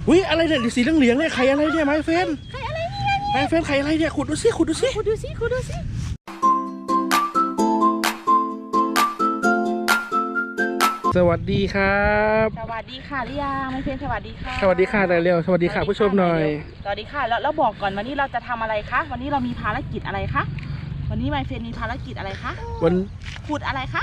อุ้ยอะไรเนี่ยสีเหลืองๆเนี่ยไข่อะไรเนี่ยไม้เฟนไข่อะไรเนี่ยไม้เฟนไข่อะไรเนี่ยขุดดูสิขุดดูสิขุดดูสิขุดดูสิสวัสดีครับสวัสดีค่ะลิยาไม่เพียงสวัสดีค่ะสวัสดีค่ะนายเร็วสวัสดีค่ะผู้ชมหน่อยสวัสดีค่ะแล้วบอกก่อนวันนี้เราจะทำอะไรคะวันนี้เรามีภารกิจอะไรคะวันนี้ไมเฟนมีภารกิจอะไรคะวันขุดอะไรคะ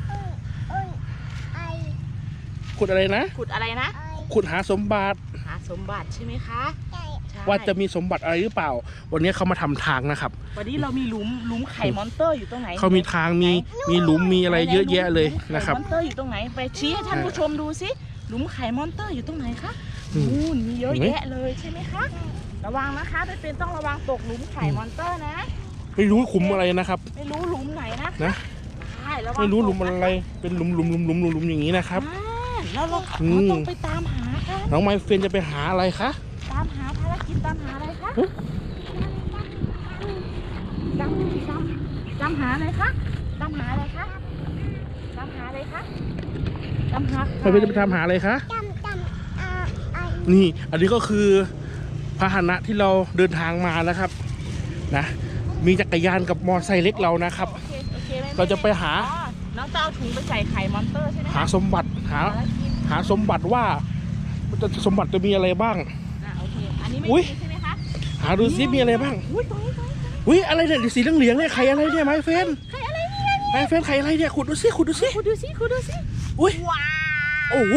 ขุดอะไรนะขุดอะไรนะขุดหาสมบัติใช่ไหมคะว่าจะมีสมบัติอะไรหรือเปล่าวันนี้เขามาทำทางนะครับวันนี้เรามีหลุมไข่มอนเตอร์อยู่ตรงไหนเขามีทางมีหลุมมีอะไรเยอะแยะเลยนะครับมอนเตอร์อยู่ตรงไหนไปชี้ให้ท่านผู้ชมดูสิหลุมไข่มอนเตอร์อยู่ตรงไหนคะนู่นมีเยอะแยะเลยใช่ไหมคะระวังนะคะเป็นต้องระวังตกหลุมไข่มอนเตอร์นะไม่รู้ขุมอะไรนะครับไม่รู้หลุมไหนนะไม่รู้หลุมอะไรเป็นหลุมอย่างนี้นะครับแล้วเราต้องไปตามหาค่ะน้องไมเฟนจะไปหาอะไรคะตามหาภารกิจตามหาอะไรคะตามหาอะไรคะตามหาอะไรคะตามหาอะไรคะตามหาไมเฟนจะไปตามหาอะไรคะนี่อันนี้ก็คือพาหนะที่เราเดินทางมานะครับนะมีจักรยานกับมอไซค์เล็กเรานะครับเราจะไปหาน้องจะเอาถุงไปใส่ไข่มอนเตอร์ใช่ไหมหาสมบัติหาสมบัติว่าสมบัติจะมีอะไรบ้างโอเคอันนี้ไม่ใช่ไหมคะหาดูซิมีอะไรบ้างอุ้ยอะไรเนี่ยสีเหลืองๆเนี่ยไข่อะไรเนี่ยไม้เฟนไข่อะไรเนี่ยไม้เฟนไข่อะไรเนี่ยขุดดูซิอุ้ยโอ้โห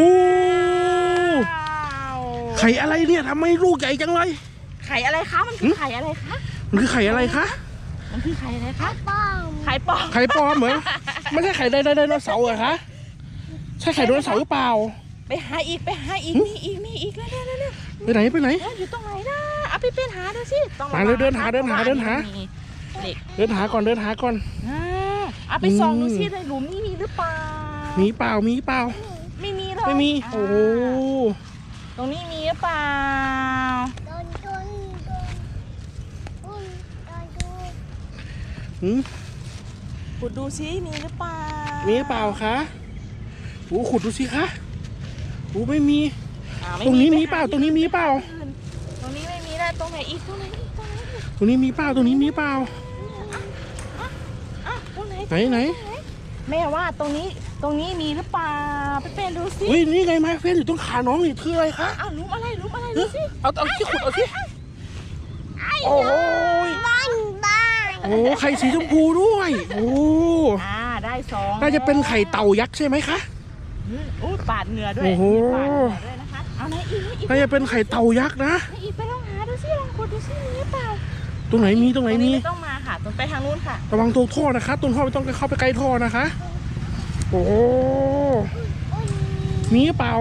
ไข่อะไรเนี่ยทำไมลูกใหญ่จังเลยไข่อะไรคะมันคือไข่อะไรคะมันคือไข่อะไรคะมันคือไข่อะไรคะไข่ปลอมเหรอไม่ใช่ไข่ไดโนเสาร์เหรอคะใช่ไข่ไดโนเสาร์หรือเปล่าไปหาอีกมีอีกแล้วไปไหนอยู่ตรงไหนนะเอาไปเป็นหาดูสิหาเลยเดินหาก่อนเอาไปส่องดูสิในหลุมนี่มีหรือเปล่ามีเปล่าไม่มีเลยไม่มีโอ้โหตรงนี้มีหรือเปล่าขุดดูสิมีหรือเปล่าคะโอ้ขุดดูสิคะโอ้ไม่มีตรงนี้มีเปล่าตรงนี้ไม่มีแล้วตรงไหนอีกตรงนี้มีเปล่าไหนแม่ว่าตรงนี้มีหรือเปล่าไปเป็นดูสิอุ้ยนี่ไงไม้เฟนอยู่ตรงขาน้องนี่คืออะไรคะหลุมอะไรดูสิเอาที่ขุดเอาที่โอ้ยโอ้ไข่สีชมพูด้วยโอ้ได้2 น่าจะเป็นไข่เต่ายักษ์ใช่ไหมคะปาดเหงื่อด้วยนะคะเอาไหนอีกน่าจะเป็นไข่เต่ายักษ์นะอีกไปลองหาดูสิลองขุดดูสิมีเปล่าตรงไหนมีต้องมาค่ะตรงไปทางนู้นค่ะระวังตัวท่อนะคะต้นท่อไม่ต้องเข้าไปใกล้ท่อนะคะโอ้มีเปล่า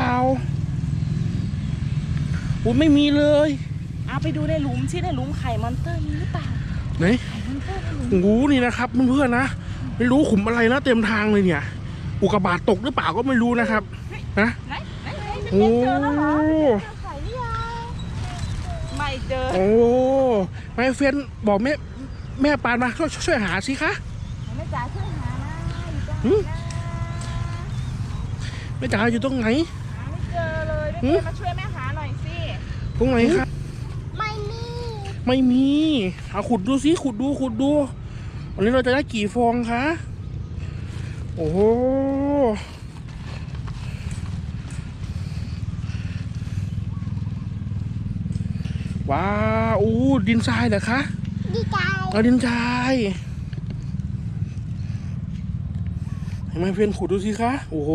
อุ้ยไม่มีเลยเอาไปดูในหลุมสิในหลุมไข่มอนเตอร์มีหรือเปล่าไหนโอ้โหนี่นะครับเพื่อนๆนะไม่รู้ขุมอะไรนะเต็มทางเลยเนี่ยอุกกาบาตตกหรือเปล่าก็ไม่รู้นะครับนะโอ้ไม่เจอโอ้ไมเฟนบอกแม่ปานมาช่วยหาสิคะแม่จ๋าช่วยหาแม่จ๋าอยู่ตรงไหนไม่เจอเลยมาช่วยแม่หาหน่อยสิตรงไหนครับไม่มีเอาขุดดูสิขุดดูวันนี้เราจะได้กี่ฟองคะโอ้โหว้าวดินทรายเหรอคะดินทรายเห็นไหมเพื่อนขุดดูสิคะโอ้โห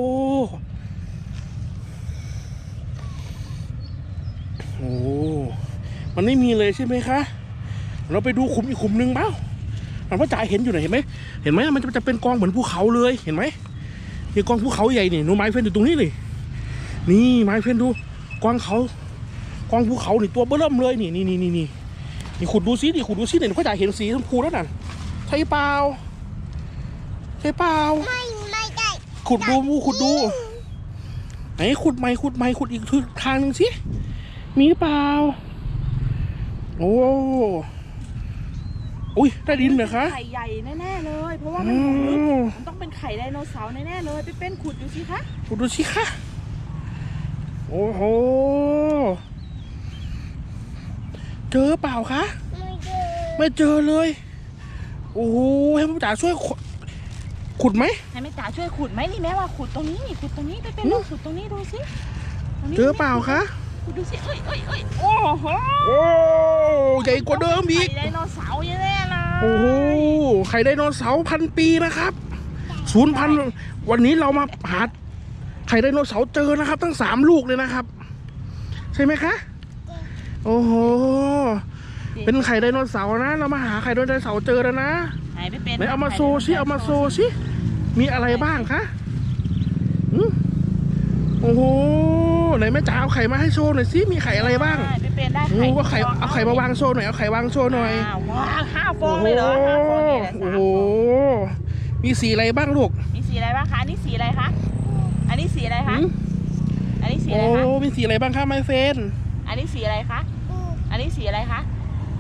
มันไม่มีเลยใช่ไหมคะเราไปดูขุมอีกขุมหนึ่งเปล่าพ่อจ๋าเห็นอยู่ไหนเห็นไหมมันจะเป็นกองเหมือนภูเขาเลยเห็นไหมนี่กองภูเขาใหญ่นี่หนูไม้เฟนอยู่ตรงนี้เลยนี่ไม้เฟนดูกองภูเขานี่ตัวเบิ่มเลยนี่ขุดดูซิเนี่ยพ่อจ๋าเห็นสีชมพูแล้วน่ะใช่เปล่าไม่ได้ขุดดูไหนขุดใหม่ขุดอีกทางหนึ่งสิมีเปล่าโอ้อุ้ยได้ดินเหรอคะไข่ใหญ่แน่ๆเลยเพราะว่ามันต้องเป็นไข่ไดโนเสาร์แน่ๆเลยไปเป็นขุดดูสิคะโอ้โหเจอเปล่าคะไม่เจอไม่เจอเลยโอ้โหให้พ่อจ๋าช่วยขุดไหมให้แม่จ๋าช่วยขุดไหมนี่แม่ว่าขุดตรงนี้นี่ขุดตรงนี้ไปเป็นลองขุดตรงนี้ดูสิตรงนี้เจอเปล่าคะขุดดูสิเอ้ยโอ้โหโอ้ใหญ่กว่าเดิมอีกไข่ไดโนเสาร์แน่ๆเลยโอ้โหไข่ไดโนเสาร์1,000 ปีนะครับ0,000วันนี้เรามาหาไข่ไดโนเสาร์เจอนะครับตั้ง3 ลูกเลยนะครับ ใช่ไหมคะโอ้โหเป็นไข่ไดโนเสาร์นะเรามาหาไข่ไดโนเสาร์เจอแล้วนะไหนไปเป็นไหนเอามาโซซิเอามาโซซิมีอะไรบ้างคะโอ้โหไหนแม่จ๋าเอาไข่มาให้โชว์หน่อยสิมีไข่อะไรบ้างไปเป็นได้โอ้ก็ไข่เอาไข่มาวางโชว์หน่อยเอาไข่วางโชว์หน่อยว้าว5 ฟองเลยเหรอ5 ฟองเนี่ยแหละโอ้โหมีสีอะไรบ้างลูกมีสีอะไรบ้างคะอันนี้สีอะไรคะอันนี้สีอะไรคะหืมอันนี้สีโอ้อะไรคะมีสีอะไรบ้างคะไมเฟนอันนี้สีอะไรคะอันนี้สีอะไรคะ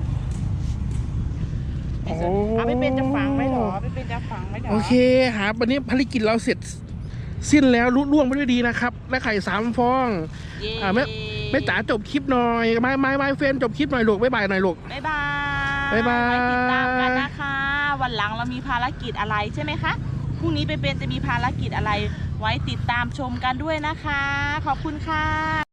เอาไปเป็นจะฝังไหมหรอไปเป็นจะฝังไหมหรอโอเคหาวันนี้ภารกิจเราเสร็จสิ้นแล้วลุล่วงไปด้วยดีนะครับและไข่3 ฟองเย้แม่จ๋าจบคลิปหน่อยไมเฟนจบคลิปหน่อยลูกบ๊ายบายหน่อยลูกบ๊ายบายบ๊ายบายไว้ติดตามกันนะคะ วันหลังเรามีภารกิจอะไรใช่ไหมคะพรุ่งนี้ไปเป็นจะมีภารกิจอะไร ไว้ติดตามชมกันด้วยนะคะ ขอบคุณค่ะ